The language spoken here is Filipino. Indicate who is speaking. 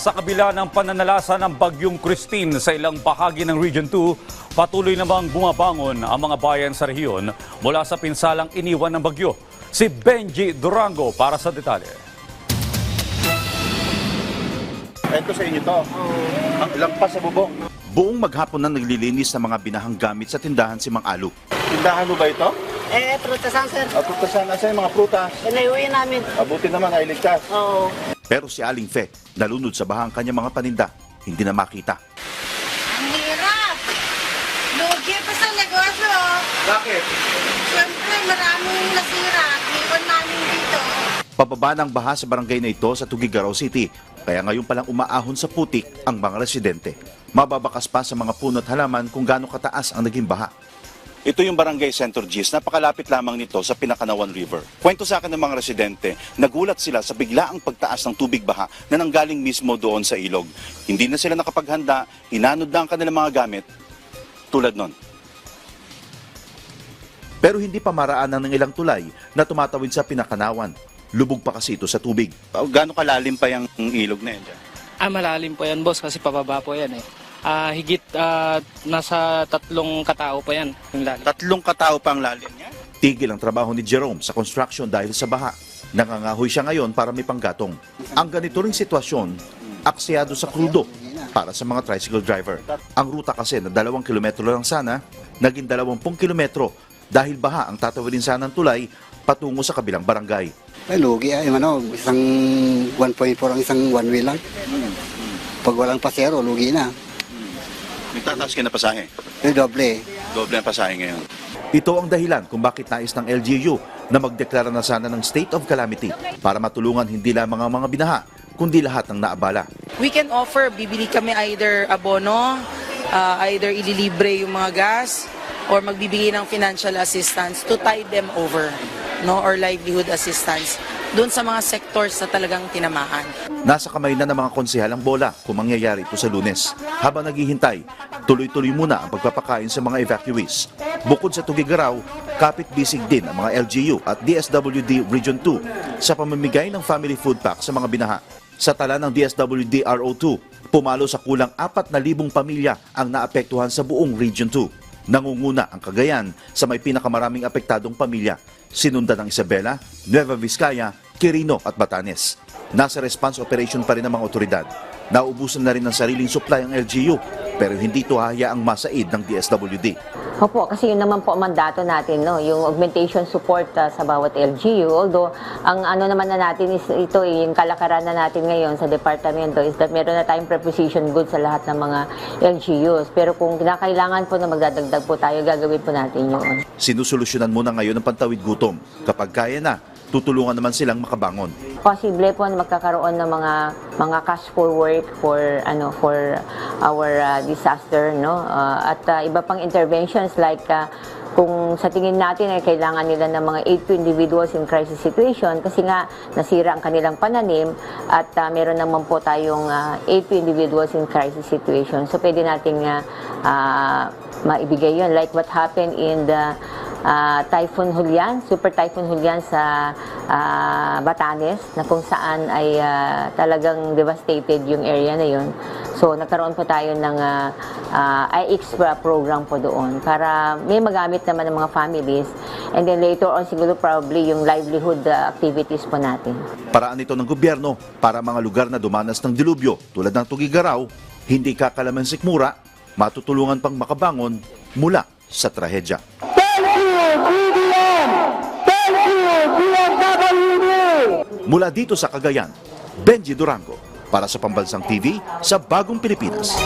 Speaker 1: Sa kabila ng pananalasa ng Bagyong Christine sa ilang bahagi ng Region 2, patuloy namang bumabangon ang mga bayan sa rehiyon mula sa pinsalang iniwan ng bagyo. Si Benji Durango para sa detalye.
Speaker 2: Ito sa inyo to. Ang lampas sa bubong.
Speaker 3: Buong maghapon na naglilinis ng mga binahang gamit sa tindahan si Mang Alu.
Speaker 2: Tindahan mo ba ito?
Speaker 4: Prutasan, sir.
Speaker 2: Prutasan, nasa yung mga prutas.
Speaker 4: Pinayuwi namin.
Speaker 2: Abuti naman, nailigtas.
Speaker 4: Oo.
Speaker 3: Pero si Aling Fe, nalunod sa bahang kanyang mga paninda, hindi na makita.
Speaker 4: Ang hirap. Lugi pa sa negosyo.
Speaker 2: Bakit?
Speaker 4: Siyempre, maraming nasira. Iwan namin dito.
Speaker 3: Pababa ng baha sa barangay na ito sa Tuguegarao City, kaya ngayon palang umaahon sa putik ang mga residente. Mababakas pa sa mga puno at halaman kung gaano kataas ang naging baha. Ito yung Barangay Center Gis, napakalapit lamang nito sa Pinakanawan River. Kwento sa akin ng mga residente, nagulat sila sa biglaang pagtaas ng tubig baha na nanggaling mismo doon sa ilog. Hindi na sila nakapaghanda, hinanod na ang kanilang mga gamit, tulad nun. Pero hindi pa maraanan ng ilang tulay na tumatawid sa Pinakanawan. Lubog pa kasi ito sa tubig. Gaano kalalim pa yung ilog na yan dyan?
Speaker 5: Malalim po yan, boss, kasi pababa po yan eh. Higit nasa 3 katao pa yan. Yung lalim.
Speaker 3: 3 katao pa ang lalim niya? Tigil ang trabaho ni Jerome sa construction dahil sa baha. Nangangahoy siya ngayon para may panggatong. Ang ganito ring sitwasyon, aksiyado sa krudo para sa mga tricycle driver. Ang ruta kasi na 2 kilometro lang sana, naging 20 kilometro dahil baha ang tatawidin sana ng tulay patungo sa kabilang barangay.
Speaker 6: Ay, lugi isang 1.4 ang isang one way lang. Pag walang pasero, lugi na.
Speaker 3: Nagtataas ka na pasahe?
Speaker 6: Doble.
Speaker 3: Doble ang pasahe ngayon. Ito ang dahilan kung bakit nais ng LGU na magdeklara na sana ng state of calamity para matulungan hindi lamang ang mga binaha, kundi lahat ng naabala.
Speaker 7: We can offer, bibili kami either abono, either ililibre yung mga gas, or magbibigay ng financial assistance to tide them over, no, or livelihood assistance doon sa mga sectors na talagang tinamaan.
Speaker 3: Nasa kamay na ng mga konsehal ang bola kung mangyayari ito sa Lunes. Habang naghihintay, tuloy-tuloy muna ang pagpapakain sa mga evacuees. Bukod sa Tuguegarao, kapit-bisig din ang mga LGU at DSWD Region 2 sa pamamigay ng family food pack sa mga binaha. Sa tala ng DSWD RO2, pumalo sa kulang 4,000 pamilya ang naapektuhan sa buong Region 2. Nangunguna ang Cagayan sa may pinakamaraming apektadong pamilya. Sinundan ng Isabela, Nueva Vizcaya, Quirino at Batanes. Nasa response operation pa rin ang mga otoridad. Naubusan na rin ng sariling supply ang LGU pero hindi ito hahayaang masaid ng DSWD.
Speaker 8: Opo, kasi yun naman po ang mandato natin, no? Yung augmentation support sa bawat LGU. Although, ang ano naman na natin is ito, yung kalakaran na natin ngayon sa departamento is that meron na tayong preposition goods sa lahat ng mga LGUs. Pero kung kinakailangan po na magdadagdag po tayo, gagawin po natin yun.
Speaker 3: Sinusolusyonan muna ngayon ang pantawid gutom. Kapag kaya na, tutulungan naman silang makabangon.
Speaker 8: Posible po na magkakaroon ng mga cash for work for our disaster, no, at iba pang interventions like kung sa tingin natin ay kailangan nila ng mga aid to individuals in crisis situation kasi nga nasira ang kanilang pananim at meron naman po tayong aid to individuals in crisis situation, so pwede nating maibigay yun like what happened in the Typhoon Julian, Super Typhoon Julian sa Batanes na kung saan ay talagang devastated yung area na yun. So nagkaroon po tayo ng IX program po doon para may magamit naman ng mga families and then later on siguro probably yung livelihood activities po natin.
Speaker 3: Paraan ito ng gobyerno para mga lugar na dumanas ng dilubyo tulad ng Tuguegarao, hindi kakalaman sikmura, matutulungan pang makabangon mula sa trahedya. Mula dito sa Cagayan, Benji Durango para sa Pambansang TV sa Bagong Pilipinas.